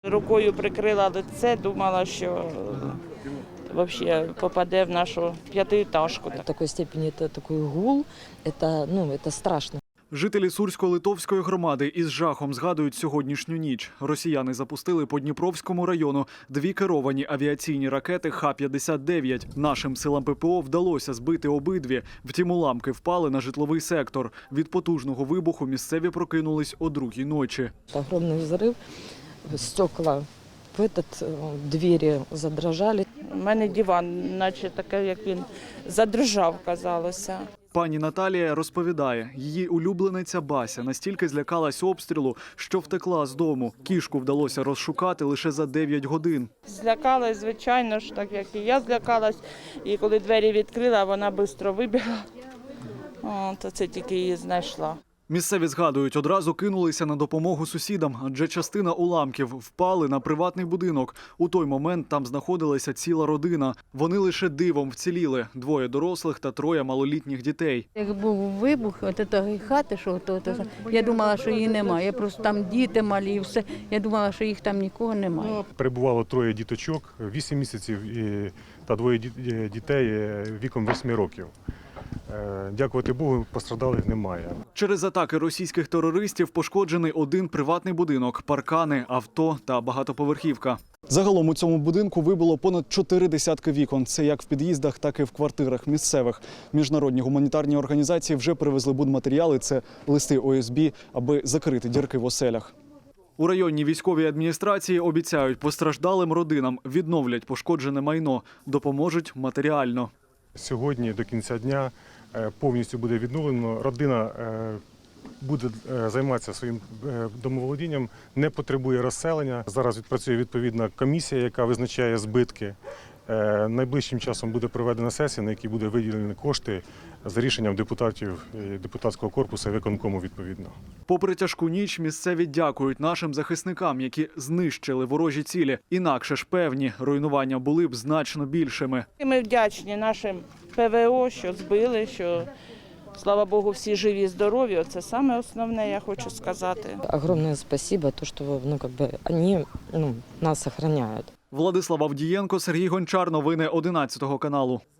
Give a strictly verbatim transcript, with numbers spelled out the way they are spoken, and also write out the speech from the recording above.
Рукою прикрила лице, думала, що взагалі попаде в нашу п'ятиэтажку. В такой степени это такой гул, это, ну, это страшно. Жителі Сурсько-Литовської громади із жахом згадують сьогоднішню ніч. Росіяни запустили по Дніпровському району дві керовані авіаційні ракети Х п'ятдесят дев'ять. Нашим силам ППО вдалося збити обидві. Втім, уламки впали на житловий сектор. Від потужного вибуху місцеві прокинулись о другій ночі. Огромный взрыв, стекла в этот, двери задрожали. У мене диван, наче таке, як він задрижав, казалося. Пані Наталія розповідає, її улюблениця Бася настільки злякалась обстрілу, що втекла з дому. Кішку вдалося розшукати лише за дев'ять годин. Злякалась, звичайно ж, так як і я злякалась. І коли двері відкрила, вона швидко вибігла. О, то це тільки її знайшла. Місцеві згадують, одразу кинулися на допомогу сусідам, адже частина уламків впали на приватний будинок. У той момент там знаходилася ціла родина. Вони лише дивом вціліли – двоє дорослих та троє малолітніх дітей. Як був вибух, от цієї хати, що то, то, я думала, що її немає. Я просто там діти малі і все. Я думала, що їх там нікого немає. Перебувало троє діточок, вісім місяців і, та двоє дітей віком восьми років. Дякувати Богу, постраждалих немає. Через атаки російських терористів пошкоджений один приватний будинок, паркани, авто та багатоповерхівка. Загалом у цьому будинку вибило понад чотири десятки вікон. Це як в під'їздах, так і в квартирах місцевих. Міжнародні гуманітарні організації вже привезли будматеріали – це листи О С Б, аби закрити дірки в оселях. У районній військовій адміністрації обіцяють, постраждалим родинам відновлять пошкоджене майно, допоможуть матеріально. Сьогодні до кінця дня повністю буде відновлено. Родина буде займатися своїм домоволодінням, не потребує розселення. Зараз відпрацює відповідна комісія, яка визначає збитки. Найближчим часом буде проведена сесія, на якій буде виділені кошти за рішенням депутатів, депутатського корпусу і виконкому відповідно. Попри тяжку ніч, місцеві дякують нашим захисникам, які знищили ворожі цілі. Інакше ж певні, руйнування були б значно більшими. І ми вдячні нашим П В О, що збили, що, слава Богу, всі живі, здорові. Це саме основне, я хочу сказати. Огромное спасибо, то, что, ну, как бы, они, ну, нас охраняют. Владислав Авдієнко, Сергій Гончар. Новини одинадцятого каналу.